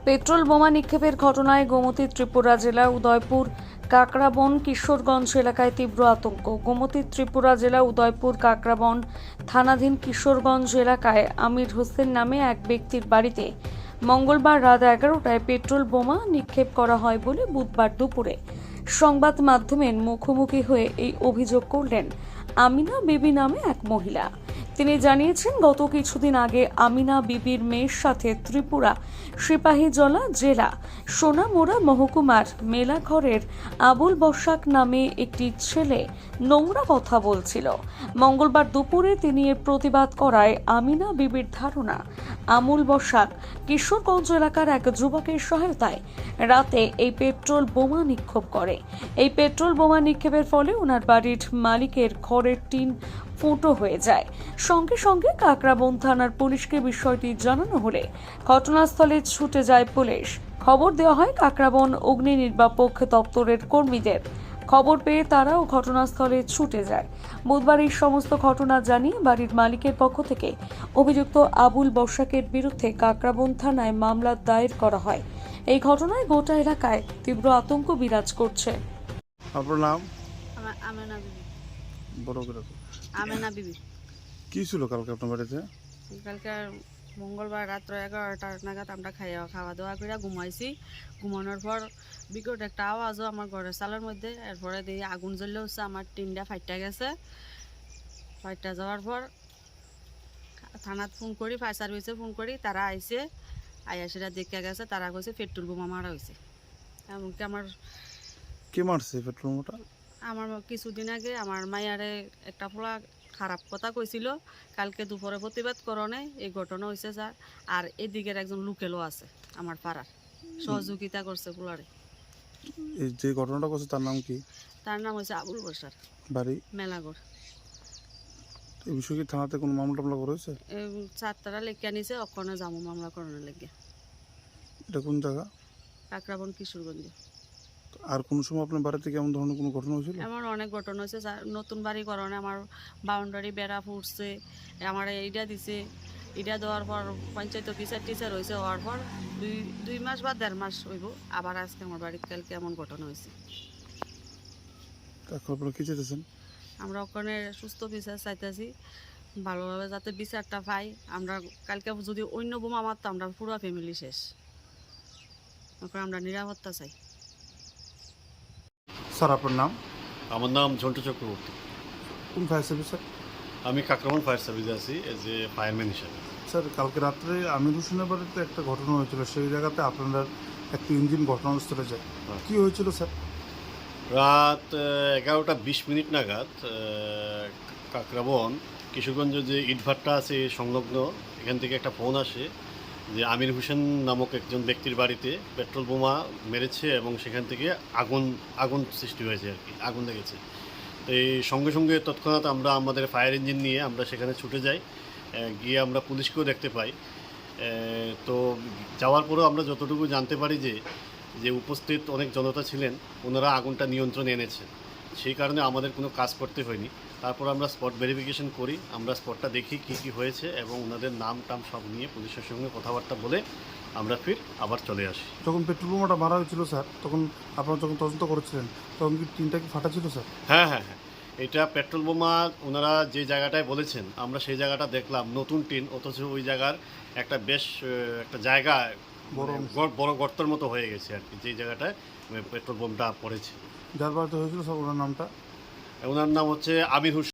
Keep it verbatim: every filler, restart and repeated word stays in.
Petrol বোমা নিক্ষেপের ঘটনায় গোমতী ত্রিপুরা জেলা উদয়পুর কাকরাবন কিশোরগঞ্জ এলাকায় তীব্র আতঙ্ক। গোমতী ত্রিপুরা জেলা উদয়পুর কাকরাবন থানাধীন কিশোরগঞ্জ এলাকায় আমির হোসেন নামে এক ব্যক্তির বাড়িতে মঙ্গলবার রাত এগারোটায় পেট্রোল বোমা নিক্ষেপ করা হয় বলে বুধবার দুপুরে সংবাদ মাধ্যমের মুখোমুখি হয়ে এই অভিযোগ করলেন আমিনা বিবি নামে এক মহিলা। তিনি জানিয়েছেন, গত কিছুদিন আগে আমিনা বিবির মেয়ের সাথে ত্রিপুরা সিপাহীজলা জেলা সোনামুড়া মহকুমার মেলাঘরের আবুল বসাক নামে একটি ছেলে নোংরা কথা বলছিল। মঙ্গলবার দুপুরে তিনি এর প্রতিবাদ করায় আমিনা বিবির ধারণা আমুল বসাক কিশোরগঞ্জ এলাকার এক যুবকের সহায়তায় রাতে এই পেট্রোল বোমা নিক্ষেপ করে। এই পেট্রোল বোমা নিক্ষেপের ফলে ওনার বাড়ির মালিকের ঘরের টিন ফুটো হয়ে যায়। সঙ্গে সঙ্গে কাকরাবন থানার পুলিশকে বিষয়টি জানানো হলে ঘটনাস্থলে ছুটে যায় পুলিশ। খবর দেওয়া হয় কাকরাবন অগ্নি নির্বাপক দপ্তরের কর্মীদের। খবর পেয়ে তারাও ঘটনাস্থলে ছুটে যায়। বুধবার এই সমস্ত ঘটনা জানিয়ে বাড়ির মালিকের পক্ষ থেকে অভিযুক্ত আবুল বসাকের বিরুদ্ধে কাকরাবন থানায় মামলা দায়ের করা হয়। এই ঘটনায় গোটা এলাকায় তীব্র আতঙ্ক বিরাজ করছে। আপনার নাম? আমা- আমেনা বিবি। বড় করে তো। আমেনা বিবি। কি ছিল কালকে আপনার বাড়িতে? কালকে মঙ্গলবার রাত্র এগারোটার নাগাদ আমরা খাইয়া খাওয়া দাওয়া করে ঘুমাইছি। ঘুমানোর পর বিকট একটা আওয়াজও আমার ঘরের চালের মধ্যে। এরপরে দিয়ে আগুন জ্বললে হচ্ছে আমার টিনটা ফাইটা গেছে। ফাইটা যাওয়ার পর থানাত ফোন করি, ফায়ার সার্ভিসে ফোন করি, তারা আইসে আইয়া সেটা দেখে গেছে। তারা কইছে পেট্রোল বোমা মারা হয়েছে। এমনকি আমার কে মারছে পেট্রোল বোমাটা? আমার কিছুদিন আগে আমার মায়ারে একটা পোলা খারাপ কথা কইছিল, কালকে দুপুরে প্রতিবাদ করণে এই ঘটনা হয়েছে স্যার। আর এদিকের একজন লোকেলও আছে আমার পাড়ার, সহযোগিতা করছে পোলারে। এই যে ঘটনাটা করছে তার নাম কি? তার নাম হচ্ছে আবুল বসার, বাড়ি মেলাগড়। এই বিষয়ে কি থানাতে কোনো মামলা টামলা করেছে? চারটারা লেখা নিছে, অক্ষণে জামু মামলা করানোর লেগে। এটা কোন জায়গা? কাকরাবন কিশোরগঞ্জে। আর কোন সময় আপনার বাড়িতে কেমন ধরনের কোনো ঘটনা হয়েছিল? এমন অনেক ঘটনা হয়েছে স্যার। নতুন বাড়ি করণে আমার বাউন্ডারি বেড়া ফুটছে, আমার এইটা দিছে। এটা দেওয়ার পর পঞ্চায়েত অফিসার টিচার হয়েছে, হওয়ার পর দুই দুই মাস বা দেড় মাস হইব আবার আজকে আমার বাড়িতে কালকে এমন ঘটনা হয়েছে। এখন আপনারা কি চাইতেছেন? আমরা ওখানে সুস্থ বিচার চাইতেছি, ভালোভাবে যাতে বিচারটা পাই। আমরা কালকে যদি অন্য বোমা মারতো আমরা পুরো ফ্যামিলি শেষ। এখন আমরা নিরাপত্তা চাই। স্যার আপনার নাম? আমার নাম ঝন্টু চক্রবর্তী। কোন ফায়ার সার্ভিস স্যার? আমি কাকরাবন ফায়ার সার্ভিসে আছি এজ এ ফায়ারম্যান হিসাবে। স্যার কালকে রাত্রে আমির হোসেনের বাড়িতে একটা ঘটনা হয়েছিল, সেই জায়গাতে আপনার একটা ইঞ্জিন ঘটনাস্থলে যায়। কি হয়েছিল স্যার? রাত এগারোটা বিশ মিনিট নাগাদ আহ, কাকরাবন কিশোরগঞ্জ যে ইটভাট্টা আছে সংলগ্ন, এখান থেকে একটা ফোন আসে যে আমির হোসেন নামক একজন ব্যক্তির বাড়িতে পেট্রোল বোমা মেরেছে এবং সেখান থেকে আগুন আগুন সৃষ্টি হয়েছে আর কি, আগুন লেগেছে। তো এই সঙ্গে সঙ্গে তৎক্ষণাৎ আমরা আমাদের ফায়ার ইঞ্জিন নিয়ে আমরা সেখানে ছুটে যাই। গিয়ে আমরা পুলিশকেও দেখতে পাই। তো যাওয়ার পরেও আমরা যতটুকু জানতে পারি যে যে উপস্থিত অনেক জনতা ছিলেন, ওনারা আগুনটা নিয়ন্ত্রণে এনেছেন। সেই কারণে আমাদের কোনো কাজ করতে হয়নি। তারপর আমরা স্পট ভেরিফিকেশন করি, আমরা স্পটটা দেখি কী কী হয়েছে এবং ওনাদের নাম টাম সব নিয়ে পুলিশের সঙ্গে কথাবার্তা বলে আমরা ফির আবার চলে আসি। যখন পেট্রোল বোমাটা মারা হয়েছিল স্যার, তখন আপনারা যখন তদন্ত করেছিলেন তখন কি টিনটা কি ফাটা ছিল স্যার? হ্যাঁ হ্যাঁ হ্যাঁ এটা পেট্রোল বোমা ওনারা যে জায়গাটায় বলেছেন আমরা সেই জায়গাটা দেখলাম নতুন টিন, অথচ ওই জায়গার একটা বেশ আহ, একটা জায়গা বড় বড় বড় গর্তের মতো হয়ে গেছে আর কি, যে জায়গাটায় পেট্রোল বোমটা পড়েছে। যার বাড়িতে হয়েছিল স্যার ওনার নামটা? ওনার নাম হচ্ছে আমির হোসেন।